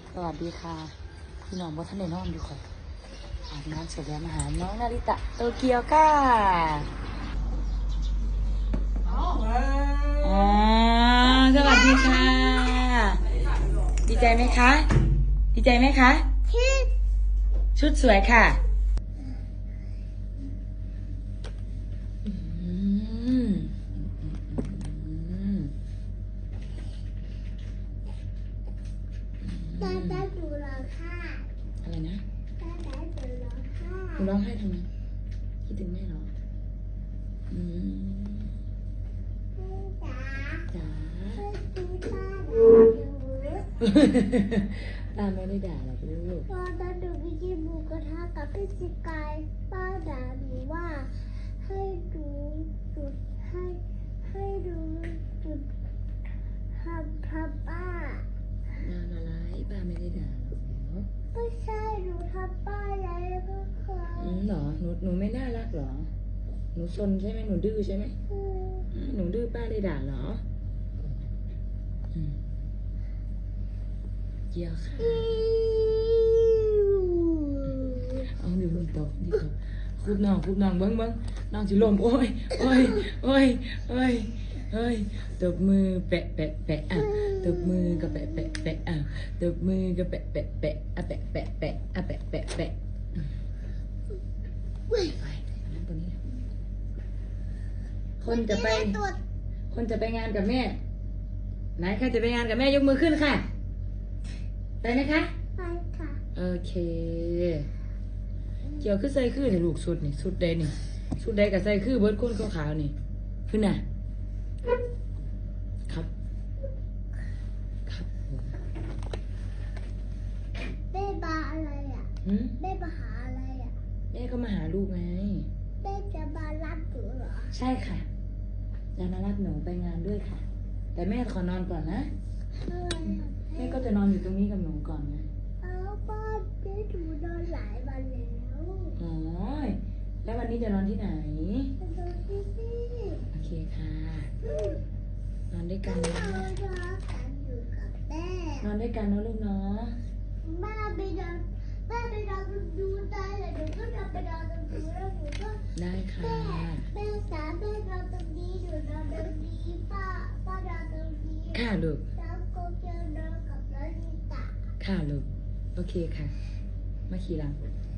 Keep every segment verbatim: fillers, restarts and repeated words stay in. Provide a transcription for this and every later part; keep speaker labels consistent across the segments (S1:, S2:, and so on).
S1: สวัสดีค่ะพี่น้องว่าท่านได้นอนอยู่ค่ะอาบน้ำเสร็จแล้วมาหาน้องนาริตะโตเกียวค่ะอ๋อสวัสดีค่ะดีใจไหมคะดีใจไหมคะชุดสวยค่ะอืม
S2: ตาตาดูร้องไห้
S1: อะไรนะ
S2: ตาตาดูร้องไห้
S1: หนูร้องไห้ทำไมคิดถึงแม่เหรออืม
S2: แม่จ๋า
S1: จ๋า
S2: ช่วยดูป้าหน่อยดู
S1: ตาไม่ได้ด่าหรอกลูก
S2: ตอนนั้นหนูไปกินหมูกระทะกับพี่สกายป้าด่าหนูว่าให้ดูจุดให้ให้ดูจุดทำทำป้า
S1: งานอะไรป้าไม่ได้ด่าหรอกเนาะ
S2: ไม่ใช่หนูทำป้าแล้วก็เคย
S1: อืมเหรอหนูหนูไม่น่ารักเหรอหนูซนใช่ไหมหนูดื้อใช่ไหม
S2: อืม
S1: อืมหนูดื้อป้าได้ด่าเหรออืมเยี่ยค่ะเอาเดี๋ยวมันตกนี่ตกคุบน้องคุบน้องเบิ้งเบิ้งน้องจิลมโอ้ยโอ้ยโอ้ยโอ้ยเฮ้ยตบมือแปะแปะแปะอ่ะตบมือก็แปะแปะแปะอ่ะตบมือก็แปะแปะแปะอ่ะแปะแปะแปะอ่ะแปะแปะแปะไปนั่งตัวนี้คนจะไป
S2: ตัว
S1: คนจะไปงานกับแม่ไหนใครจะไปงานกับแม่ยกมือขึ้นค่ะไปไหมคะ
S2: ไปค่ะ
S1: โอเคเกี่ยวคือใส่คือนี่ลูกสุดนี่สุดใดนี่สุดใดกับใส่คือเบิร์ดคนขาวๆนี่ขึ้นน่ะครับครับผม
S2: แม่มาอะไรอ่ะ
S1: หืม
S2: แม่มาหาอะไรอ่ะ
S1: แม่ก็มาหาลูกไง
S2: แม่จะมารับหนูเหรอ
S1: ใช่ค่ะจะมารับหนูไปงานด้วยค่ะ แต่แม่ขอนอนก่อนนะ
S2: อะไรอ่ะ
S1: แม่ก็จะนอนอยู่ตรงนี้กับหนูก่อนไง
S2: เอาป้าเจ๊ถูนอนหลายวันแล้ว
S1: อ๋อแล้ววันนี้จะนอนที่ไหน
S2: จะนอนที่นี่
S1: โอเคค่ะ นอนด้วยกัน
S2: เรา
S1: นะ
S2: รักกันอยู่กับแม่
S1: นอนด้วยกันนะลูกเนาะ
S2: แม่ไปนอนแม่ไปนอนดูตายเลยหนูก็จะไปนอนตรงนี้แล้วหนูก็
S1: ได้ค่ะ
S2: แม่แม่สาแม่นอนตรงนี้หนูนอนตรงนี้ป้าป้านอนตรงนี้
S1: ค่ะลูก
S2: แล้วก็จะนอนกับน้องนิตา
S1: ค่ะลูก โอเคค่ะ มาขี่หลัง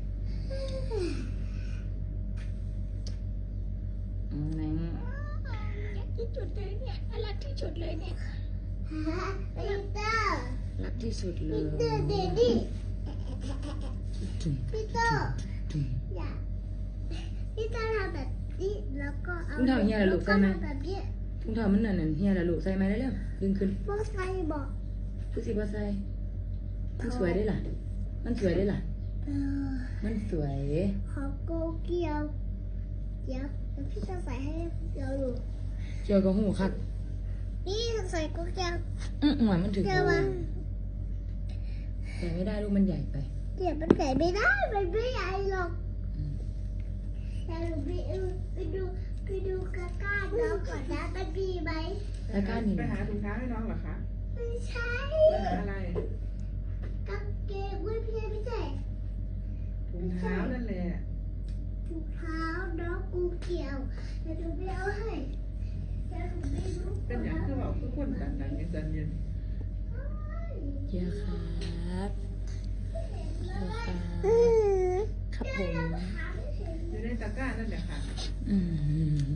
S1: อืมไหน
S2: รักที่สุดเลยเนี่ยรักที่สุดเลยเนี่ยฮะปีเตอร์
S1: รักที่สุดเล
S2: ปี
S1: ย
S2: เตอร์เดดี้
S1: จุ่ม
S2: ปีเตอร์
S1: จุ่ม
S2: อย่าปีเตอร์ทำแบบนี้แล้วก็เอา
S1: มึงทำอย่างเงี้ยเหรอลูกใช่ไหม
S2: แล้วก็ทำแบบนี้
S1: ทุ่งเท้ามันนั่นน่ะเฮียละลูกใส่ไหมได้เร็วดึงขึ้น
S2: โบไซบอก
S1: ทุกสิบ่ใส่มันสวยได้ล่ะ มันสวยได้ล่ะ
S2: เออ
S1: มันสวย
S2: ขอโกเกียวเดี๋ยวเดี๋ยวพี่จะใส่ให้เดี๋ยวดู
S1: เกี่ยวกับหูคัก
S2: นี่ใส่โกเกียว
S1: อื้อหวานมันถึง
S2: เดี๋ยวมา
S1: ใส่ไม่ได้ลูกมันใหญ่ไป
S2: เดี๋ยวมันใส่ไม่ได้มันไม่ใหญ่หรอก
S1: อืม
S2: แต่หนูไปดูไปดูไปดูกระก้าน้องก่อนนะมันมีไหม
S1: แล้วก้านนี่
S3: ไป
S1: นะ
S3: หาถุงเท้าให้น้องเหรอคะ
S2: ไม่ใช่
S3: ไปหาอะไร
S2: กางเกงเว้ยพี่ไม่ใช่
S3: ถุงเท้านั่นแหละ
S2: ถุงเท้าน้องกูเกี่ยวเดี๋ยวหนูไปเอาให้เดี๋ยวหนูไปดู
S3: เป็นอย่างที่บอกทุกคนดังดังยังจันเย็น
S1: เกี่ยวครับเกี่ยวครับ
S2: อืม
S1: ครับผม
S3: อยู่ในตะกร้านั่นแหละค่ะ
S1: อืม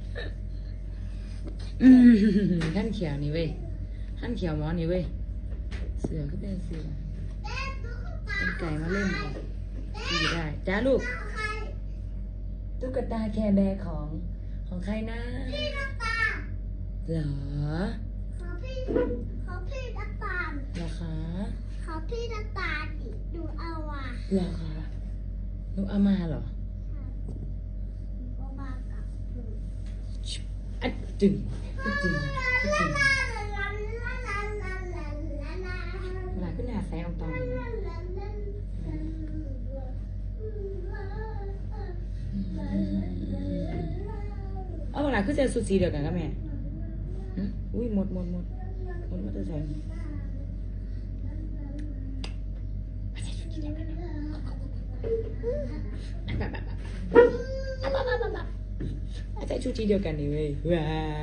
S1: อืมขั้นเขียวนี่เว้ยขั้นเขียวหมอนี่เว้ย เสือก็เป็นเสือเป็นไก่มาเล่นค่ะดีได้จ้าลูก ตุ๊กตาแคร์แบร์ของของใครนะ
S2: พี่น้ำตาล
S1: เหรอ
S2: ขอพี่ขอพี่น้ำตาล
S1: เหรอคะ
S2: ขอพี่น้ำตาลดิดูเอาอ่ะ
S1: เหรอคะหนูเอามาเหรอ
S2: ก็มากับหนู
S1: อัดจึงอัดจึงอัดจึงเวลาขึ้นหาแสงออกตองเอาเวลาขึ้นเจอสุดสีเดียวกันกับแม่หึอุ้ยหมดหมดหมดหมดมาจะใส่แบบแบบแบบใส่ชุดสีเดียวกันนี่เว้ยว้า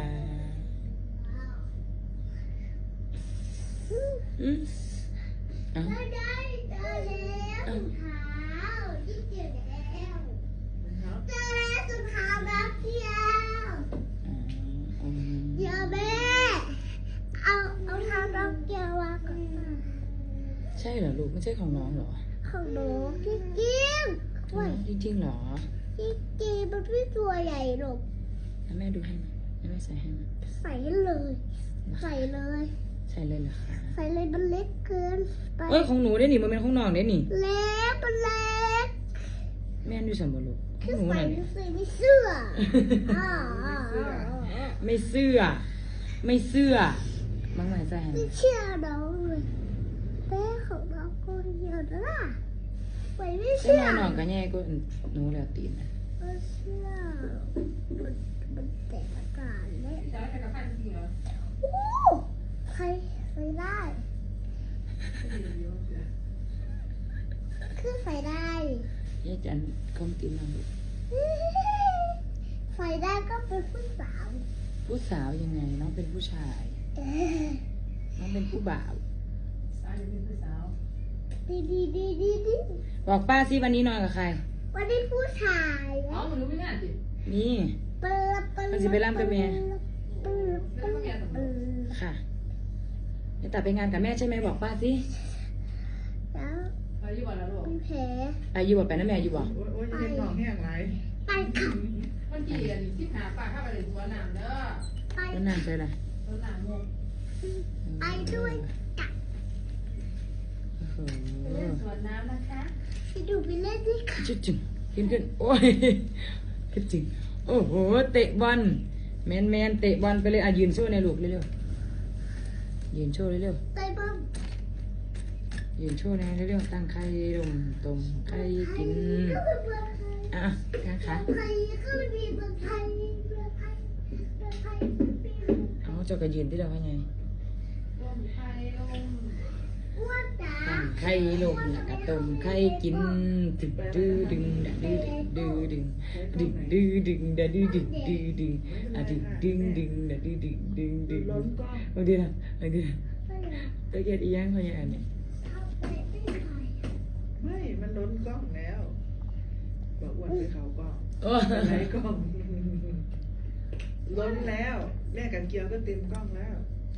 S1: อืมเอ้า
S2: ได้ได้ได้แล้วถุงเท้าที่เจอแล้ว
S3: นะครับ
S2: เจอแล้วถุงเท้าแบบเดียว
S1: อืม
S2: เดี๋ยวแม่เอาเอาเท้าดอกเกียววางก่อน
S1: ใช่เหรอลูกไม่ใช่ของน้องเหรอ
S2: ของหนูจริงจริง
S1: ของน้องจริงๆเหรอ
S2: จริงจริงมันไม่ตัวใหญ่หรอก
S1: แล้วแม่ดูให้มั้ยแล้วแม่ใส่ให้มั้ย
S2: ใส่ให้เลย ใส่เลย
S1: ใส่เลยเหรอคะ
S2: ใส่เลยมันเล็กเกินไป
S1: เอ้ยของหนูได้หนิมันเป็นของน้องได้หนิ
S2: เล็กมันเล็ก
S1: แม่ดูสัมบูรณ์ข
S2: คือ อง
S1: หนู
S2: ใส่
S1: น่ะ
S2: ไม่ใส่ไม่เสื้ออ่าอ่าอ่าอ่า
S1: ไม่เสื้อ ไม่เสื้อมังไหนใส่ให้
S2: ไม่เชื่อน้องเลยแม่ของน้องคนเดียวนะล่ะไปไม่
S1: ใช่
S2: เชื่
S1: ไห
S2: อ
S1: มน้องก็แย่ก็หนูแล้วตีนนะ
S2: ไม่เชื่อมันมันแตกอากาศเลย
S3: จะให้กับใครจริงเหรอ
S2: โอ้ใครใส่ได้คือใส่ได้
S1: แย่จันคอมตีนน้อง
S2: ใส่ได้ก็เป็นผู้สาว
S1: ผู้สาวยังไงน้องเป็นผู้ชาย
S2: เอ้ย
S1: น้องเป็นผู้บ่าว
S3: สาวจะเป็นผู้สาว
S2: ดีดีดีดีดี
S1: บอกป้าสิวันนี้นอนกับใคร
S2: วันนี้ผู้ชาย
S3: อ๋อมันรู้ไม่ง่ายจิ
S1: นี่
S2: เปิดเปิด
S1: มันสิไปร่ำกับแม่
S2: เปิดเปิดเปิด
S1: ค่ะจะตัดไปงานกับแม่ใช่ไหมบอกป้าสิ
S2: แล้ว
S3: อายุวันละลูก
S2: มีแผล
S1: อายุบอกไปนะแม่อายุบอก
S3: โอ้ยโอ้ยจะเป็นท้องแห้งไร
S2: ไปค่ะ
S3: วันที่อันนี้สิบห้าปากเข้าไปในตัวน้ำเด้อ
S2: ไป
S1: แล้วนานใจอะไร
S3: ตัวน้ำงง
S2: ไปด้วยกัน
S1: โอ้โห
S3: เล่นสวนน้ำนะคะ
S2: ไปดูไปเล่นด้วยกัน
S1: จุดจึงขึ้นขึ้นโอ้ยขึ้นจึงโอ้โหเตะบอลแมนแมนเตะบอลไปเลยอ่ะยืนโชว์ในลูกเร็วๆยืนโชว์เร็ว
S2: ไปบ้าง
S1: ๆยืนโชว์ในเร็วๆตั้งไข่ลมต้มไข่กิน
S2: ก็เป็นเมืองไทย
S1: อ่ะกางขา
S2: เมืองไทยก็มีเมืองไทยเมืองไทยเมืองไทยมีเมืองไทย
S1: เอาเจ้าก็ยืนที่เราให้ไง
S3: ต้มไข่ลม
S2: อ้วนจ๋า
S1: ตั้งไข่ลมแล้วก็ต้มไข่กินดึงดื้อดึงดะดื้อดื้อดึงดึงดื้อดึงดะดื้อดึงดื้อดึงอ่ะดึงดึงดึงดะดื้อดึงดึงดึง
S3: ล้นก้อน
S1: เอาดีนะเอาดีนะ
S2: ไม่อยาก
S1: ตะเกียบอีหยังเขาอย่างอันนี้
S2: ทำไปไม่ได้
S3: ไม่ มันล้นกล้องแล้วบอกอ้วนไปเขากล้อง
S1: โอ้
S3: อะไรกล้องล้นแล้ว แม่กับเกียวก็เต็มกล้องแล้ว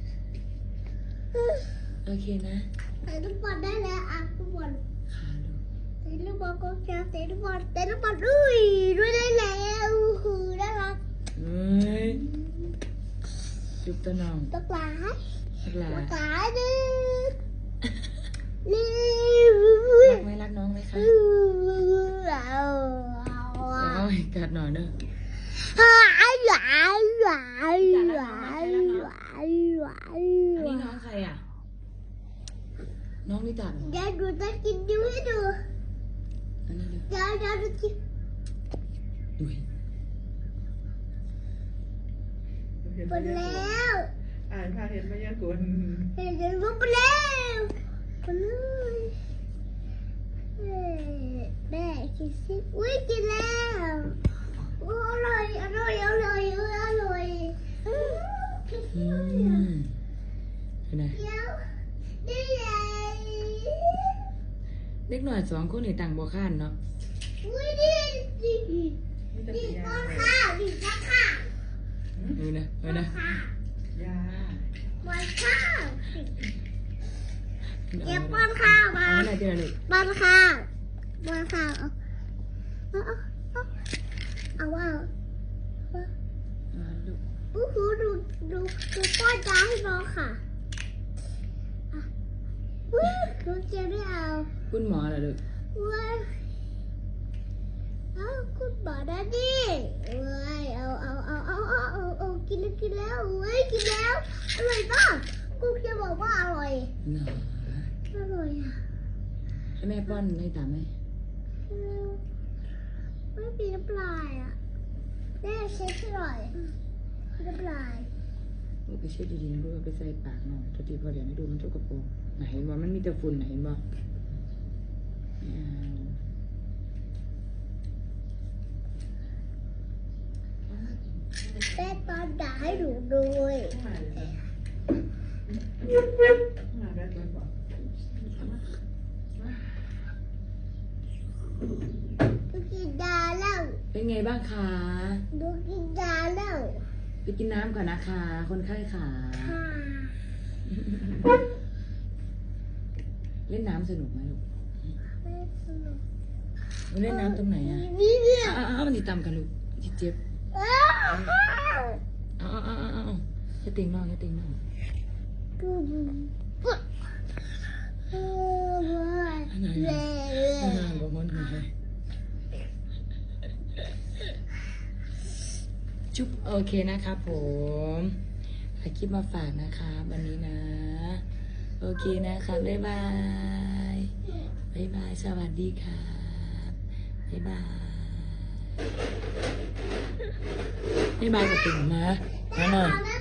S1: โอเคนะ
S2: เตะลูกบอลได้แล้วอ่ะลูกบอล
S1: ขาลูก
S2: เตะลูกบอลก็แค่เตะลูกบอลเตะลูกบอลอุ้ยด้วยได้แล้วคือน่ารัก
S1: เฮ้ยจุบตะนอง
S2: ตะกร้า
S1: รักหลา
S2: ตะกร้าดินี่
S1: รักไหมรักน้องไหมคะ
S2: เอา
S1: เอาให้กัดหน่อยเด้อ
S2: หายหายหายหายหายหาย
S1: อันนี้น้องใครอ่ะ น้องนิตาเหรอ
S2: เดี๋ยวดูจะกินดูให้ดู
S1: อันนี้เด้อ
S2: เดี๋ยวเดี๋ยวจะกิน
S1: ดุย
S3: เห็น
S2: หม
S3: มา
S2: ด
S3: ยา
S2: แล้
S3: ก
S2: ว
S3: อ่านพาเห็นมายากล
S2: เห็นจะรู้ไปแล้วไปเลยเอ้ยแม่กินสิอุ้ยกินแล้วโอ้อร่อยอร่อยอร่อยอร่อยอร่อยอืมกิน
S1: อื
S2: สิ
S1: มเป็นไง
S2: เดี๋ยวนี่ไง
S1: เด็กหน่อยสองคนนี่ต่างบ่ข้านเนาะ
S2: อุ้ยนี่นี่
S3: นี่จะ
S2: นี่
S3: เป็นยา
S2: ก้อน
S3: เลย
S2: ข้าวนี่ก้อนข้าว
S1: เออนะเอ
S2: ก้
S1: อ
S2: อน
S1: นะ
S2: ข้าวย
S3: า
S2: ก้อนข้าวเก็บก้อนข้าวมา
S1: เอาอะไรเดี๋ยวลูก
S2: ก้อนข้าวก้อนข้าวเอาเอาเอาเอาเอา
S1: อ่าลูก
S2: อู้หูดูดูดูป้อนยาให้น้องค่ะอ่ะอุ้ยน้องเจไม่เอา
S1: คุณหมอเหรอลูก
S2: เว้ยเอาคุณหมอนะดิเว้ยเอาเอาเอาเอาเอาเอาเอากินแล้วกินแล้วเว้ยกินแล้วอร่อยป่ะกูจะบอกว่าอร่อย
S1: หนอ
S2: อร่อยอ่ะ
S1: ให้แม่ป้อนให้ตามไหม
S2: ไม่มีน้ำลายอ่ะแม่เช็ดให้หน่อยน้ำลาย
S1: ลูกไปเช็ดดีๆนะลูกเอาไปใส่ปากหน่อยทุกทีพอเดี๋ยวไม่ดูมันทุกกระโปรงไหนเห็นบ่มันมีแต่ฝุ่นไหนเห็นบ่ไม่เอา
S2: แม่ตอนด่าให้หนูด้วย
S3: มาเลยนะมาแบบนั้นบอก
S2: หนูกินยาแล้ว
S1: เป็นไงบ้างคะ
S2: หนูกินยาแล้ว
S1: ไปกินน้ำก่อนนะคะ คนไข้ขา
S2: ค่ะ
S1: เล่นน้ำสนุกไหมลูก
S2: แม่สนุก
S1: มันเล่นน้ำตรงไหนอ่ะ
S2: นี่เนี่ย
S1: อ้าวอ้าวมันติดตามกันลูกจิเจ็บ
S2: อ้าว
S1: อ้าวอ้าวอ้าวอ้าวจะติงน้องจะติงน้อง
S2: ปุ๊บปุ๊บเออว้ายเล่เล่
S1: อ่าบอกมันหน่อยจุ๊บโอเคนะครับผมถ่ายคลิปมาฝากนะคะวันนี้นะ โอเคนะคะบ๊ายบายบ๊ายบายสวัสดีค่ะบ๊ายบายบ๊ายบายกับติ่งมามาหน่อย
S2: แม่